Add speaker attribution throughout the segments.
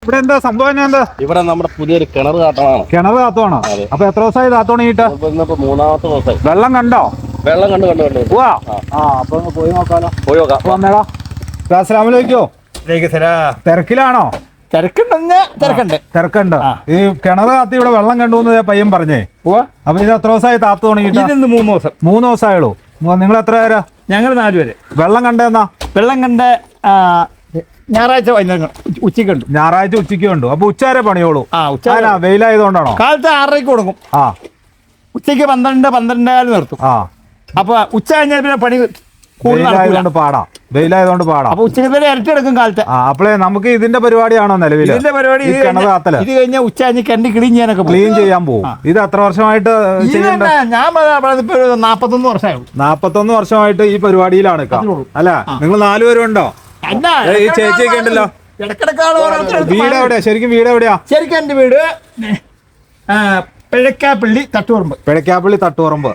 Speaker 1: ഇവിടെ എന്താ സംഭവം? എന്താ
Speaker 2: ഇവിടെ നമ്മുടെ പുതിയൊരു കിണർ കാട്ടമാണ്.
Speaker 1: കിണർ കാത്തുവാണോ? അപ്പൊ എത്ര ദിവസമായി താത്ത തുടങ്ങിയിട്ട്?
Speaker 2: മൂന്നാമത്തെ ദിവസമായി.
Speaker 1: വെള്ളം കണ്ടോ?
Speaker 2: വെള്ളം കണ്ടു.
Speaker 1: അപ്പൊ പോയി നോക്കാലോ.
Speaker 2: പോയി നോക്കാം.
Speaker 1: വന്നേടാ. അസ്സലാമലൈക്കോ. തിരക്കിലാണോ? തിരക്കുണ്ട്. ഈ കിണർ കാത്തി ഇവിടെ വെള്ളം കണ്ടു പയ്യൻ പറഞ്ഞേ. അപ്പൊ ഇത് എത്ര ദിവസമായി താത്ത തുടങ്ങിയിട്ട്?
Speaker 3: 3 ദിവസം.
Speaker 1: 3 ദിവസമായുള്ളൂ. നിങ്ങൾ എത്ര പേരാ?
Speaker 3: ഞങ്ങൾ 4 പേര്.
Speaker 1: വെള്ളം കണ്ടെന്നാ?
Speaker 3: വെള്ളം കണ്ട ഞായറാഴ്ച ഉച്ചയ്ക്ക് ഉണ്ട്.
Speaker 1: ഞായറാഴ്ച ഉച്ചയ്ക്ക് കണ്ടു. അപ്പൊ ഉച്ചവരെ പണിയോളൂ. വെയിലായതുകൊണ്ടാണോ?
Speaker 3: കാലത്ത് 6:30 കൊടുക്കും. ഉച്ചയ്ക്ക് 12 നിർത്തും.
Speaker 1: അപ്പൊ
Speaker 3: ഉച്ച കഴിഞ്ഞാൽ പിന്നെ പണി
Speaker 1: വെയിലായതുകൊണ്ട് പാടാം.
Speaker 3: അപ്പൊ ഉച്ചയ്ക്ക് ഇരട്ടി എടുക്കും കാലത്ത്.
Speaker 1: അപ്പളേ നമുക്ക് ഇതിന്റെ പരിപാടിയാണോ നിലവിൽ?
Speaker 3: ഇതിന്റെ പരിപാടി ഇത് കഴിഞ്ഞാൽ ഉച്ച കഴിഞ്ഞ് കിണറ്റി ക്ലീൻ ചെയ്യാനൊക്കെ
Speaker 1: ക്ലീൻ ചെയ്യാൻ പോകും. ഇത് എത്ര വർഷമായിട്ട്?
Speaker 3: ഞാൻ 41 വർഷമായുള്ളൂ.
Speaker 1: 41 വർഷമായിട്ട് ഈ പരിപാടിയിലാണ് അല്ല? നിങ്ങൾ 4 പേരുണ്ടോ? ഈ ചേച്ചിയൊക്കെ ഉണ്ടല്ലോ. വീട് എവിടെയാ ശരിക്കും? വീട് എവിടെയാ
Speaker 3: ശരിക്കും? എന്റെ വീട് പിഴക്കാപ്പള്ളി തട്ടുപറമ്പ്.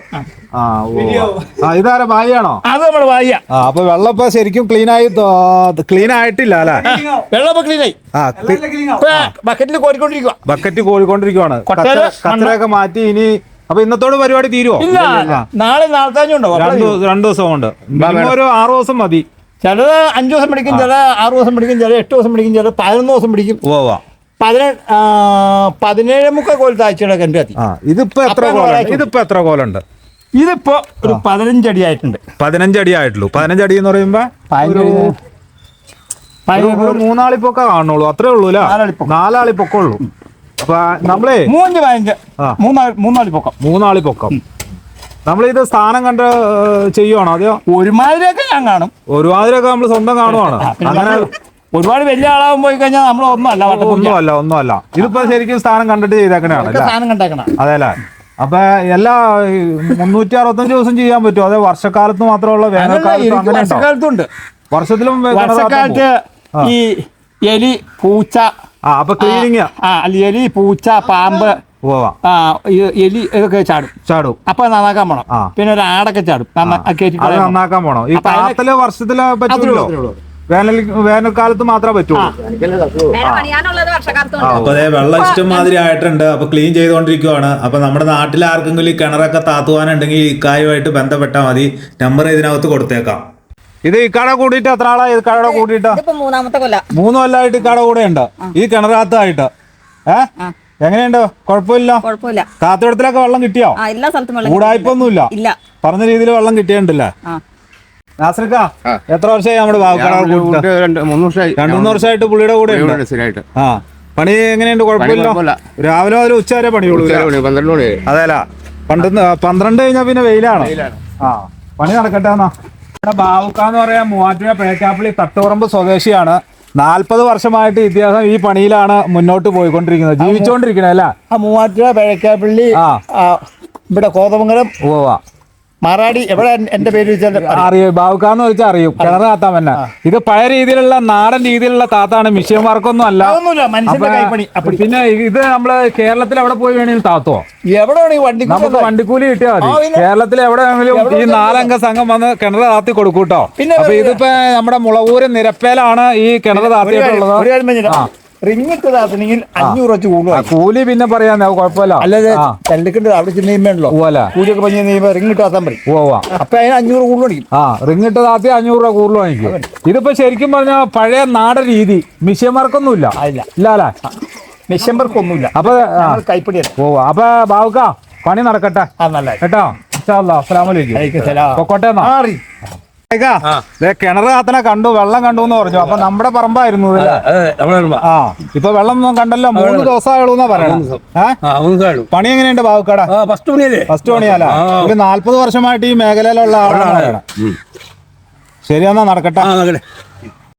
Speaker 1: ഇതാരാ ഭായിയാണോ?
Speaker 3: അത് നമ്മുടെ ഭായിയാ.
Speaker 1: അപ്പൊ വെള്ളം ഇപ്പൊ ശരിക്കും ക്ലീൻ ആയിട്ടില്ല അല്ലെ?
Speaker 3: വെള്ളം ക്ലീനായി. ബക്കറ്റിൽ
Speaker 1: കോരിക്കൊണ്ടിരിക്കുവാണ്. കച്ചറയൊക്കെ മാറ്റി. ഇനി അപ്പൊ ഇന്നത്തോട് പരിപാടി തീരുവോ?
Speaker 3: നാളെ നാളത്താഞ്ഞുണ്ടോ?
Speaker 1: 2 ദിവസം കൊണ്ട്. ഒരു 6 ദിവസം മതി.
Speaker 3: ചിലത് 5 ദിവസം പിടിക്കും, ചില 6 ദിവസം പിടിക്കും, ചില 8 ദിവസം പിടിക്കും, ചില 11 ദിവസം പിടിക്കും. 17 കോൽ താഴ്ചയുടെ കണ്ടു കത്തി.
Speaker 1: ഇതിപ്പോ എത്ര കോലുണ്ട്?
Speaker 3: ഇതിപ്പോ ഒരു 15 അടി ആയിട്ടുണ്ട്.
Speaker 1: 15 അടി ആയിട്ടുള്ളൂ. 15 അടി എന്ന് പറയുമ്പോ 3 ആളിപ്പൊക്കെ കാണുള്ളൂ. അത്രേ ഉള്ളൂ അല്ലേ? 4 ആളിപ്പൊക്കമുള്ളൂ. അപ്പൊ നമ്മളേ
Speaker 3: 3
Speaker 1: ആളിപ്പൊക്കം. നമ്മളിത് സ്ഥാനം കണ്ട് ചെയ്യുവാണോ? അതെയോ
Speaker 3: ഒരുമാതിരിയൊക്കെ ഞാൻ കാണും.
Speaker 1: ഒരുമാതിരിയൊക്കെ നമ്മൾ സ്വന്തം കാണുവാണ്. അങ്ങനെ
Speaker 3: ഒരുപാട് വലിയ ആളാവും പോയി കഴിഞ്ഞാൽ നമ്മൾ
Speaker 1: ഒന്നുമല്ല. ഇതിപ്പോ ശരിക്കും സ്ഥാനം കണ്ടിട്ട് ചെയ്തേക്കണാണ്. അതെല്ലേ? അപ്പൊ എല്ലാ 365 ദിവസം ചെയ്യാൻ പറ്റുമോ? അതെ വർഷക്കാലത്ത് മാത്രമുള്ള?
Speaker 3: വേനൽക്കാലത്തുണ്ട്.
Speaker 1: വർഷത്തിലും
Speaker 3: വർഷക്കാലത്ത് ഈ എലി, പൂച്ച,
Speaker 1: അപ്പൊ ക്ലീനിങ്
Speaker 3: എലി, പൂച്ച, പാമ്പ്, എലി ഇതൊക്കെ ചാടും. അപ്പൊ നന്നാക്കാൻ പോണം. പിന്നെ ഒരു ആടൊക്കെ ചാടും.
Speaker 1: നന്നാക്കാൻ പോണം. ഈ കാലത്തില് വർഷത്തില് പറ്റുള്ളൂ. വേനൽക്കാലത്ത് മാത്രമേ പറ്റുള്ളൂ. അപ്പൊ അതെ വെള്ളം ഇഷ്ടംമാതിരി ആയിട്ടുണ്ട്. അപ്പൊ ക്ലീൻ ചെയ്തുകൊണ്ടിരിക്കുവാണ്. അപ്പൊ നമ്മുടെ നാട്ടിൽ ആർക്കെങ്കിലും ഈ കിണറൊക്കെ താത്തുവാനുണ്ടെങ്കിൽ ഇക്കായുമായിട്ട് ബന്ധപ്പെട്ടാൽ മതി. നമ്പർ ഇതിനകത്ത് കൊടുത്തേക്കാം. ഇത് ഇക്കാട കൂടിയിട്ട് എത്ര ആളാ? ഇക്കാടെ കൂടിയിട്ട് 3 കൊല്ലമായിട്ട് ഇക്കാട കൂടെ ഉണ്ട് ഈ കിണറാത്തായിട്ട്. എങ്ങനെയുണ്ട്? കുഴപ്പമില്ല. കാത്തുവെള്ളത്തിലൊക്കെ വെള്ളം കിട്ടിയോ? കൂടായ്പൊന്നുമില്ല. പറഞ്ഞ രീതിയിൽ വെള്ളം കിട്ടിയിട്ടുണ്ടല്ലേ? നാസർക്ക എത്ര വർഷമായി നമ്മുടെ ബാബുക്കാട്? 2-3 വർഷമായിട്ട് പുള്ളിയുടെ കൂടെ. പണി എങ്ങനെയുണ്ട്? കുഴപ്പമില്ല. രാവിലെ മുതൽ ഉച്ച വരെ പണിയുള്ളൂ. അതെല്ല 12 കഴിഞ്ഞാൽ പിന്നെ വെയിലാണ്. പണി നടക്കട്ടെ എന്നാ. ബാബുക്കാന്ന് പറയാൻ മൂവാറ്റുപുഴ പിഴക്കാപ്പള്ളി തട്ടുപറമ്പ് സ്വദേശിയാണ്. 40 വർഷമായിട്ട് ഇദ്ദേഹം ഈ പണിയിലാണ് മുന്നോട്ട് പോയിക്കൊണ്ടിരിക്കുന്നത്, ജീവിച്ചോണ്ടിരിക്കണേ അല്ല?
Speaker 3: മൂവാറ്റുപുഴ പിഴക്കാപ്പള്ളി, ഇവിടെ കോതമംഗലം, മാറാടി, എവിടെ എന്റെ പേര്
Speaker 1: അറിയും. ബാബുക്കാന്ന് വെച്ചാൽ അറിയും. കിണർ താത്താൻ തന്നെ. ഇത് പഴയ രീതിയിലുള്ള നാടൻ രീതിയിലുള്ള താത്താണ്. മിഷ്യൻ വർക്കൊന്നും അല്ല. പിന്നെ ഇത് നമ്മള് കേരളത്തിൽ എവിടെ പോയി വേണമെങ്കിലും താത്തോ?
Speaker 3: എവിടെ
Speaker 1: നമുക്ക് വണ്ടിക്കൂലി കിട്ടിയാൽ മതി. കേരളത്തിൽ എവിടെയെങ്കിലും ഈ 4 അംഗ സംഘം വന്ന് കിണർ താത്തി കൊടുക്കൂട്ടോ. അപ്പൊ ഇതിപ്പോ നമ്മുടെ മുളവൂര് നിരപ്പേലാണ് ഈ കിണർ താത്തിയിട്ടുള്ളത്.
Speaker 3: റിങ്ങിട്ട് താത്തണെങ്കിൽ 500 വെച്ച്
Speaker 1: കൂലി പിന്നെ പറയാൻ കുഴപ്പമില്ല.
Speaker 3: അല്ലാതെ ചെല്ലക്കിട്ട് അവിടെ ചെന്നോ കൂലിയൊക്കെ പഞ്ഞ് റിങ്ങിട്ട് താത്താൻ പറയും. അപ്പൊ അതിന് 500 കൂടുതൽ മേടിക്കും.
Speaker 1: റിങ്ങിട്ട് താത്തി 500 രൂപ കൂടുതൽ വാങ്ങിക്കും. ഇതിപ്പോ ശരിക്കും പറഞ്ഞാൽ പഴയ നാടൻ രീതി. മിഷ്യൻ വർക്കൊന്നുമില്ല. ഇല്ല
Speaker 3: മിഷ്യൻ വർക്കൊന്നുമില്ല.
Speaker 1: അപ്പൊ
Speaker 3: കൈപ്പിടിയല്ല.
Speaker 1: അപ്പൊ ബാബുക്ക പണി നടക്കട്ടെ കേട്ടോ. അസ്സലാമലൈക്കും. പൊക്കോട്ടെ. കിണർ കാത്തനെ കണ്ടു, വെള്ളം കണ്ടു എന്ന് പറഞ്ഞു. അപ്പൊ നമ്മുടെ പറമ്പായിരുന്നു. ഇപ്പൊ വെള്ളം കണ്ടല്ലോ. 3 ദിവസമായുള്ളൂന്നാ പറയണം. പണി എങ്ങനെയുണ്ട് ബാബുക്കാട? ഫസ്റ്റ് പണിയല്ല. ഒരു 40 വർഷമായിട്ട് ഈ മേഖലയിലുള്ള ആളാണ്. ശരിയെന്നാ നടക്കട്ടെ.